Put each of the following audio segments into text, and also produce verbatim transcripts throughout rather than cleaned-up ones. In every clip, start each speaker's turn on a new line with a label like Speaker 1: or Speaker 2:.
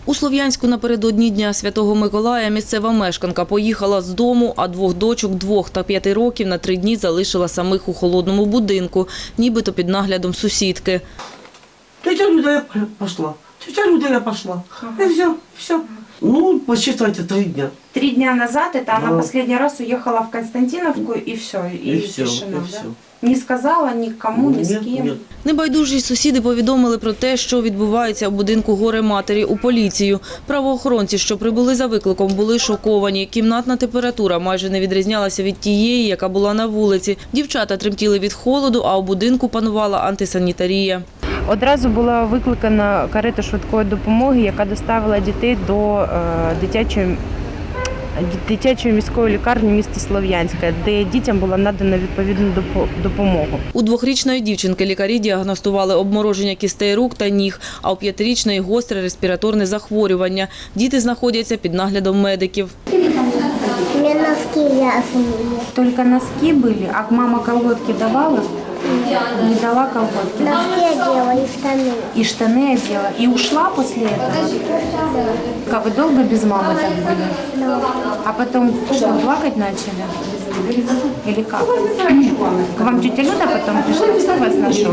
Speaker 1: У Слов'янську напередодні Дня Святого Миколая місцева мешканка поїхала з дому, а двох дочок двох та п'яти років на три дні залишила самих у холодному будинку, нібито під наглядом сусідки.
Speaker 2: Тетя Люда, я пошла. Тетя Люда, я пошла. И все, все. Ну, посчитайте, три дня.
Speaker 3: Три дня назад это
Speaker 2: Да.
Speaker 3: она последний раз уехала в Константиновку и все, и,
Speaker 2: И все,
Speaker 3: тишина,
Speaker 2: и
Speaker 3: да?
Speaker 2: все.
Speaker 3: Не сказала никому, ни с
Speaker 2: Нет,
Speaker 3: кем.
Speaker 2: нет.
Speaker 1: Небайдужі сусіди повідомили про те, що відбувається у будинку горе-матері у поліцію. Правоохоронці, що прибули за викликом, були шоковані. Кімнатна температура майже не відрізнялася від тієї, яка була на вулиці. Дівчата тремтіли від холоду, а у будинку панувала антисанітарія.
Speaker 3: Одразу була викликана карета швидкої допомоги, яка доставила дітей до е, дитячої, дитячої міської лікарні міста Слов'янська, де дітям була надана відповідну допомогу.
Speaker 1: У двохрічної дівчинки лікарі діагностували обмороження кістей рук та ніг, а у п'ятирічної – гостре респіраторне захворювання. Діти знаходяться під наглядом медиків.
Speaker 4: У меня носки грязные.
Speaker 3: Только носки были, а мама колготки давала? Не дала колготки.
Speaker 4: Носки одела и штаны.
Speaker 3: И штаны одела. И ушла после этого? Как вы долго без мамы так были? А потом что, плакать начали? Или как? К вам тетя Люда потом пришла? Кто вас нашел?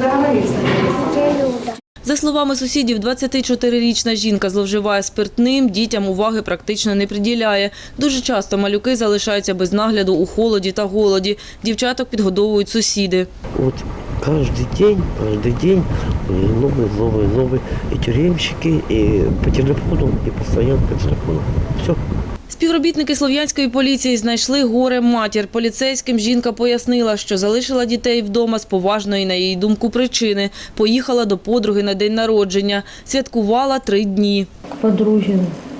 Speaker 4: Тетя Люда.
Speaker 1: За словами сусідів, двадцятичотирирічна жінка зловживає спиртним, дітям уваги практично не приділяє. Дуже часто малюки залишаються без нагляду у холоді та голоді. Дівчаток підгодовують сусіди.
Speaker 2: Вот каждый день, каждый день новые, новые, новые и тюремщики, и по телефону, и постоянно по телефону. Все.
Speaker 1: Співробітники Слов'янської поліції знайшли горе-матір. Поліцейським жінка пояснила, що залишила дітей вдома з поважної, на її думку, причини. Поїхала до подруги на день народження. Святкувала три дні.
Speaker 5: К подруге.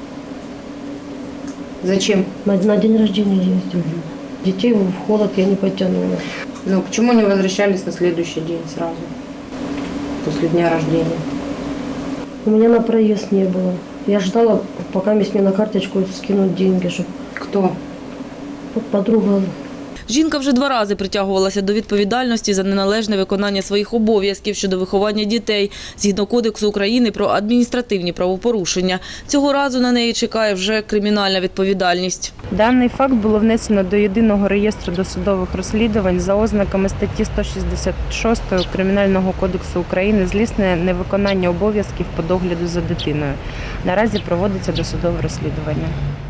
Speaker 3: Зачем?
Speaker 5: На, на день рождения ездили. Детей в холод я не потянула.
Speaker 3: Ну, почему не возвращались на следующий день сразу? После дня рождения.
Speaker 5: У меня на проезд не было. Я ждала, пока мне на карточку скинут деньги, чтобы
Speaker 3: Кто?
Speaker 5: подруга.
Speaker 1: Жінка вже два рази притягувалася до відповідальності за неналежне виконання своїх обов'язків щодо виховання дітей, згідно Кодексу України про адміністративні правопорушення. Цього разу на неї чекає вже кримінальна відповідальність.
Speaker 3: Даний факт було внесено до Єдиного реєстру досудових розслідувань за ознаками статті сто шістдесят шість Кримінального кодексу України злісне невиконання обов'язків по догляду за дитиною. Наразі проводиться досудове розслідування.